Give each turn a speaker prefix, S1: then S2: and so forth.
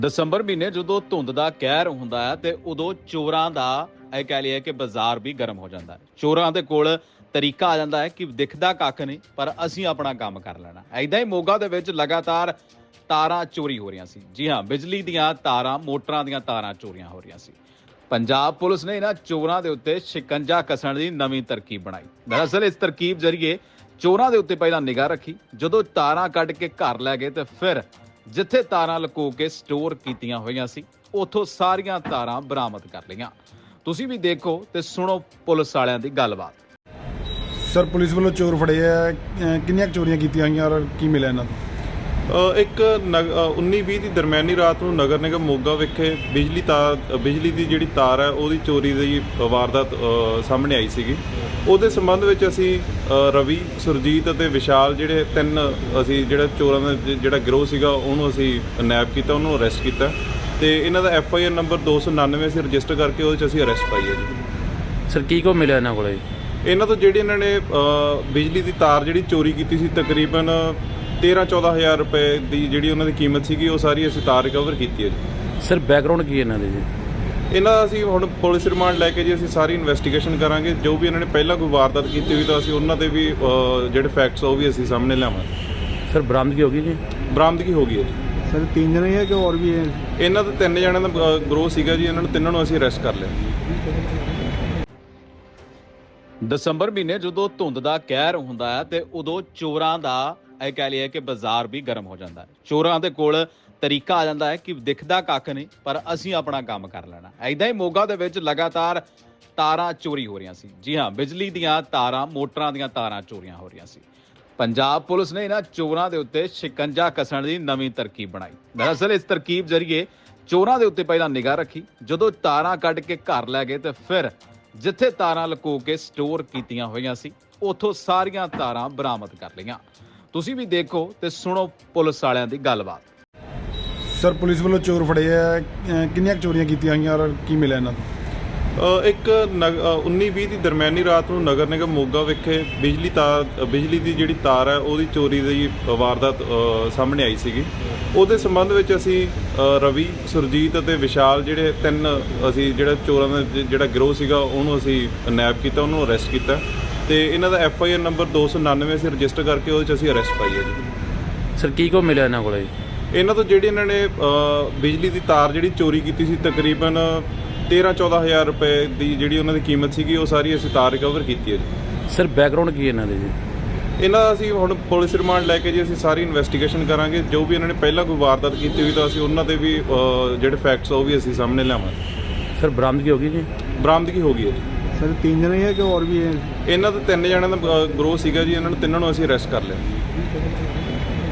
S1: ਦਸੰਬਰ ਮਹੀਨੇ ਜਦੋਂ ਧੁੰਦ ਦਾ ਕਹਿਰ ਹੁੰਦਾ ਹੈ ਤੇ ਉਦੋਂ ਚੋਰਾਂ ਦਾ ਇਹ ਕਹਿ ਲਈਏ ਕਿ ਬਾਜ਼ਾਰ ਵੀ ਗਰਮ ਹੋ ਜਾਂਦਾ ਹੈ। ਚੋਰਾਂ ਦੇ ਕੋਲ ਤਰੀਕਾ ਆ ਜਾਂਦਾ ਹੈ ਕਿ ਦਿਖਦਾ ਕੱਖ ਨਹੀਂ ਪਰ ਅਸੀਂ ਆਪਣਾ ਕੰਮ ਕਰ ਲੈਣਾ। ਐਦਾਂ ਹੀ ਮੋਗਾ ਦੇ ਵਿੱਚ ਲਗਾਤਾਰ ਤਾਰਾਂ ਚੋਰੀ ਹੋ ਰਹੀਆਂ ਸੀ। ਜੀ ਹਾਂ, ਬਿਜਲੀ ਦੀਆਂ ਤਾਰਾਂ, ਮੋਟਰਾਂ ਦੀਆਂ ਤਾਰਾਂ ਚੋਰੀਆਂ ਹੋ ਰਹੀਆਂ ਸੀ। ਪੰਜਾਬ ਪੁਲਿਸ ਨੇ ਇਹਨਾਂ ਚੋਰਾਂ ਦੇ ਉੱਤੇ ਸ਼ਿਕੰਜਾ ਕੱਸਣ ਦੀ ਨਵੀਂ ਤਰਕੀਬ ਬਣਾਈ। ਦਰਅਸਲ ਇਸ ਤਰਕੀਬ ਜ਼ਰੀਏ ਚੋਰਾਂ ਦੇ ਉੱਤੇ ਪਹਿਲਾਂ ਨਿਗਾਹ ਰੱਖੀ, ਜਦੋਂ ਤਾਰਾਂ ਕੱਢ ਕੇ ਘਰ ਲੈ ਗਏ ਤੇ ਫਿਰ ਜਿੱਥੇ ਤਾਰਾਂ ਲੁਕੋ ਕੇ ਸਟੋਰ ਕੀਤੀਆਂ ਹੋਈਆਂ ਸੀ ਉੱਥੋਂ ਸਾਰੀਆਂ ਤਾਰਾਂ ਬਰਾਮਦ ਕਰ ਲਈਆਂ। ਤੁਸੀਂ ਵੀ ਦੇਖੋ ਤੇ ਸੁਣੋ ਪੁਲਿਸ ਵਾਲਿਆਂ ਦੀ ਗੱਲਬਾਤ।
S2: ਸਰ, ਪੁਲਿਸ ਵੱਲੋਂ ਚੋਰ ਫੜੇ ਆ, ਕਿੰਨੀਆਂ ਚੋਰੀਆਂ ਕੀਤੀਆਂ ਹੋਈਆਂ ਔਰ ਕੀ ਮਿਲਿਆ ਇਹਨਾਂ ਤੋਂ?
S3: ਇੱਕ 19-20 ਦੀ ਦਰਮਿਆਨੀ ਰਾਤ ਨੂੰ ਨਗਰ ਨਿਗਮ ਮੋਗਾ ਵਿਖੇ ਬਿਜਲੀ ਦੀ ਜਿਹੜੀ ਤਾਰ ਹੈ ਉਹਦੀ ਚੋਰੀ ਦੀ ਵਾਰਦਾਤ ਸਾਹਮਣੇ ਆਈ ਸੀਗੀ। ਉਹਦੇ ਸੰਬੰਧ ਵਿੱਚ ਅਸੀਂ ਰਵੀ, ਸੁਰਜੀਤ ਅਤੇ ਵਿਸ਼ਾਲ ਜਿਹੜੇ ਤਿੰਨ ਅਸੀਂ ਜਿਹੜਾ ਚੋਰਾਂ ਦਾ ਜਿਹੜਾ ਗਿਰੋਹ ਸੀਗਾ ਉਹਨੂੰ ਅਸੀਂ ਨੈਪ ਕੀਤਾ, ਉਹਨੂੰ ਅਰੈਸਟ ਕੀਤਾ ਤੇ ਇਹਨਾਂ ਦਾ FIR ਨੰਬਰ 299 ਅਸੀਂ ਰਜਿਸਟਰ ਕਰਕੇ ਉਹਦੇ 'ਚ ਅਸੀਂ ਅਰੈਸਟ ਪਾਈ ਹੈ ਜੀ।
S4: ਸਰ, ਕੀ ਕੋ ਮਿਲਿਆ ਇਹਨਾਂ ਕੋਲ?
S3: ਇਹਨਾਂ ਤੋਂ ਜਿਹੜੀ ਇਹਨਾਂ ਨੇ ਬਿਜਲੀ ਦੀ ਤਾਰ ਜਿਹੜੀ ਚੋਰੀ ਕੀਤੀ ਸੀ, ਤਕਰੀਬਨ 13-14 ਹਜ਼ਾਰ ਰੁਪਏ ਦੀ ਜਿਹੜੀ ਉਹਨਾਂ ਦੀ ਕੀਮਤ ਸੀਗੀ, ਉਹ ਸਾਰੀ ਅਸੀਂ ਤਾਰ ਰਿਕਵਰ ਕੀਤੀ ਹੈ ਜੀ।
S4: ਸਰ, ਬੈਕਗਰਾਉਂਡ ਕੀ ਇਹਨਾਂ ਦੇ ਜੀ?
S3: ਇਹਨਾਂ ਦਾ ਅਸੀਂ ਹੁਣ ਪੁਲਿਸ ਰਿਮਾਂਡ ਲੈ ਕੇ ਜੀ ਅਸੀਂ ਸਾਰੀ ਇਨਵੈਸਟੀਗੇਸ਼ਨ ਕਰਾਂਗੇ। ਜੋ ਵੀ ਇਹਨਾਂ ਨੇ ਪਹਿਲਾਂ ਕੋਈ ਵਾਰਦਾਤ ਕੀਤੀ ਹੋਈ ਤਾਂ ਅਸੀਂ ਉਹਨਾਂ ਦੇ ਵੀ ਜਿਹੜੇ ਫੈਕਟਸ ਉਹ ਵੀ ਅਸੀਂ ਸਾਹਮਣੇ ਲਿਆਵਾਂਗੇ।
S4: ਸਰ, ਬਰਾਮਦਗੀ ਹੋ ਗਈ ਜੀ?
S3: ਬਰਾਮਦਗੀ ਹੋ ਗਈ ਹੈ ਜੀ।
S2: ਸਰ, 3 ਜਣੇ ਹੈ ਕਿ ਹੋਰ ਵੀ ਹੈ?
S3: ਇਹਨਾਂ ਦਾ 3 ਜਣਿਆਂ ਦਾ ਗਰੋਹ ਸੀਗਾ ਜੀ। ਇਹਨਾਂ ਨੂੰ ਤਿੰਨਾਂ ਨੂੰ ਅਸੀਂ ਅਰੈਸਟ ਕਰ ਲਿਆ।
S1: ਦਸੰਬਰ ਮਹੀਨੇ ਜਦੋਂ ਧੁੰਦ ਦਾ ਕਹਿਰ ਹੁੰਦਾ ਹੈ ਤੇ ਉਦੋਂ ਚੋਰਾਂ ਦਾ ਇਹ ਕਹਿ ਲਈਏ ਕਿ ਬਾਜ਼ਾਰ ਵੀ ਗਰਮ ਹੋ ਜਾਂਦਾ ਹੈ। ਚੋਰਾਂ ਦੇ ਕੋਲ ਤਰੀਕਾ ਆ ਜਾਂਦਾ ਹੈ ਕਿ ਦਿਖਦਾ ਕੱਖ ਨਹੀਂ ਪਰ ਅਸੀਂ ਆਪਣਾ ਕੰਮ ਕਰ ਲੈਣਾ। ਐਦਾਂ ਹੀ ਮੋਗਾ ਦੇ ਵਿੱਚ ਲਗਾਤਾਰ ਤਾਰਾਂ ਚੋਰੀ ਹੋ ਰਹੀਆਂ ਸੀ। ਜੀ ਹਾਂ, ਬਿਜਲੀ ਦੀਆਂ ਤਾਰਾਂ, ਮੋਟਰਾਂ ਦੀਆਂ ਤਾਰਾਂ ਚੋਰੀਆਂ ਹੋ ਰਹੀਆਂ ਸੀ। ਪੰਜਾਬ ਪੁਲਿਸ ਨੇ ਇਹਨਾਂ ਚੋਰਾਂ ਦੇ ਉੱਤੇ ਸ਼ਿਕੰਜਾ ਕੱਸਣ ਦੀ ਨਵੀਂ ਤਰਕੀਬ ਬਣਾਈ। ਦਰਅਸਲ ਇਸ ਤਰਕੀਬ ਜ਼ਰੀਏ ਚੋਰਾਂ ਦੇ ਉੱਤੇ ਪਹਿਲਾਂ ਨਿਗਾਹ ਰੱਖੀ, ਜਦੋਂ ਤਾਰਾਂ ਕੱਢ ਕੇ ਘਰ ਲੈ ਗਏ ਤੇ ਫਿਰ ਜਿੱਥੇ ਤਾਰਾਂ ਲੁਕੋ ਕੇ ਸਟੋਰ ਕੀਤੀਆਂ ਹੋਈਆਂ ਸੀ ਉੱਥੋਂ ਸਾਰੀਆਂ ਤਾਰਾਂ ਬਰਾਮਦ ਕਰ ਲਈਆਂ। ਤੁਸੀਂ ਵੀ ਦੇਖੋ ਤੇ ਸੁਣੋ ਪੁਲਿਸ ਵਾਲਿਆਂ ਦੀ ਗੱਲਬਾਤ।
S2: ਸਰ, ਪੁਲਿਸ ਵੱਲੋਂ ਚੋਰ ਫੜੇ ਆ, ਕਿੰਨੀਆਂ ਚੋਰੀਆਂ ਕੀਤੀਆਂ ਹੋਈਆਂ ਔਰ ਕੀ ਮਿਲਿਆ ਇਹਨਾਂ ਤੋਂ?
S3: ਇੱਕ 19-20 ਦੀ ਦਰਮਿਆਨੀ ਰਾਤ ਨੂੰ ਨਗਰ ਨਿਗਮ ਮੋਗਾ ਵਿਖੇ ਬਿਜਲੀ ਦੀ ਜਿਹੜੀ ਤਾਰ ਹੈ ਉਹਦੀ ਚੋਰੀ ਦੀ ਵਾਰਦਾਤ ਸਾਹਮਣੇ ਆਈ ਸੀਗੀ। ਉਹਦੇ ਸੰਬੰਧ ਵਿੱਚ ਅਸੀਂ ਰਵੀ, ਸੁਰਜੀਤ ਅਤੇ ਵਿਸ਼ਾਲ ਜਿਹੜੇ ਤਿੰਨ ਅਸੀਂ ਜਿਹੜਾ ਚੋਰਾਂ ਦਾ ਜਿਹੜਾ ਗਿਰੋਹ ਸੀਗਾ ਉਹਨੂੰ ਅਸੀਂ ਨੈਪ ਕੀਤਾ, ਉਹਨੂੰ ਅਰੈਸਟ ਕੀਤਾ ਤੇ ਇਹਨਾਂ ਦਾ FIR ਨੰਬਰ 299 ਅਸੀਂ ਰਜਿਸਟਰ ਕਰਕੇ ਉਹਦੇ 'ਚ ਅਸੀਂ ਅਰੈਸਟ ਪਾਈ ਹੈ ਜੀ।
S4: ਸਰ, ਕੀ ਕੋ ਮਿਲਿਆ ਇਹਨਾਂ ਕੋਲ?
S3: ਇਹਨਾਂ ਤੋਂ ਜਿਹੜੀ ਇਹਨਾਂ ਨੇ ਬਿਜਲੀ ਦੀ ਤਾਰ ਜਿਹੜੀ ਚੋਰੀ ਕੀਤੀ ਸੀ, ਤਕਰੀਬਨ 13-14 ਹਜ਼ਾਰ ਰੁਪਏ ਦੀ ਜਿਹੜੀ ਉਹਨਾਂ ਦੀ ਕੀਮਤ ਸੀਗੀ, ਉਹ ਸਾਰੀ ਅਸੀਂ ਤਾਰ ਰਿਕਵਰ ਕੀਤੀ ਹੈ ਜੀ।
S4: ਸਰ, ਬੈਕਗਰਾਉਂਡ ਕੀ ਇਹਨਾਂ ਦੇ ਜੀ?
S3: ਇਹਨਾਂ ਦਾ ਅਸੀਂ ਹੁਣ ਪੁਲਿਸ ਰਿਮਾਂਡ ਲੈ ਕੇ ਜੀ ਅਸੀਂ ਸਾਰੀ ਇਨਵੈਸਟੀਗੇਸ਼ਨ ਕਰਾਂਗੇ। ਜੋ ਵੀ ਇਹਨਾਂ ਨੇ ਪਹਿਲਾਂ ਕੋਈ ਵਾਰਦਾਤ ਕੀਤੀ ਹੋਈ ਤਾਂ ਅਸੀਂ ਉਹਨਾਂ ਦੇ ਵੀ ਜਿਹੜੇ ਫੈਕਟਸ ਉਹ ਵੀ ਅਸੀਂ ਸਾਹਮਣੇ ਲਿਆਵਾਂਗੇ।
S4: ਸਰ, ਬਰਾਮਦਗੀ ਹੋ ਗਈ ਜੀ?
S3: ਬਰਾਮਦਗੀ ਹੋ ਗਈ ਹੈ ਜੀ।
S2: ਸਰ, 3 ਜਣੇ ਹੈ ਕਿ ਹੋਰ ਵੀ ਹੈ?
S3: ਇਹਨਾਂ ਦਾ 3 ਜਣਿਆਂ ਦਾ ਗਰੋਹ ਸੀਗਾ ਜੀ। ਇਹਨਾਂ ਨੂੰ ਤਿੰਨਾਂ ਨੂੰ ਅਸੀਂ ਅਰੈਸਟ ਕਰ ਲਿਆ।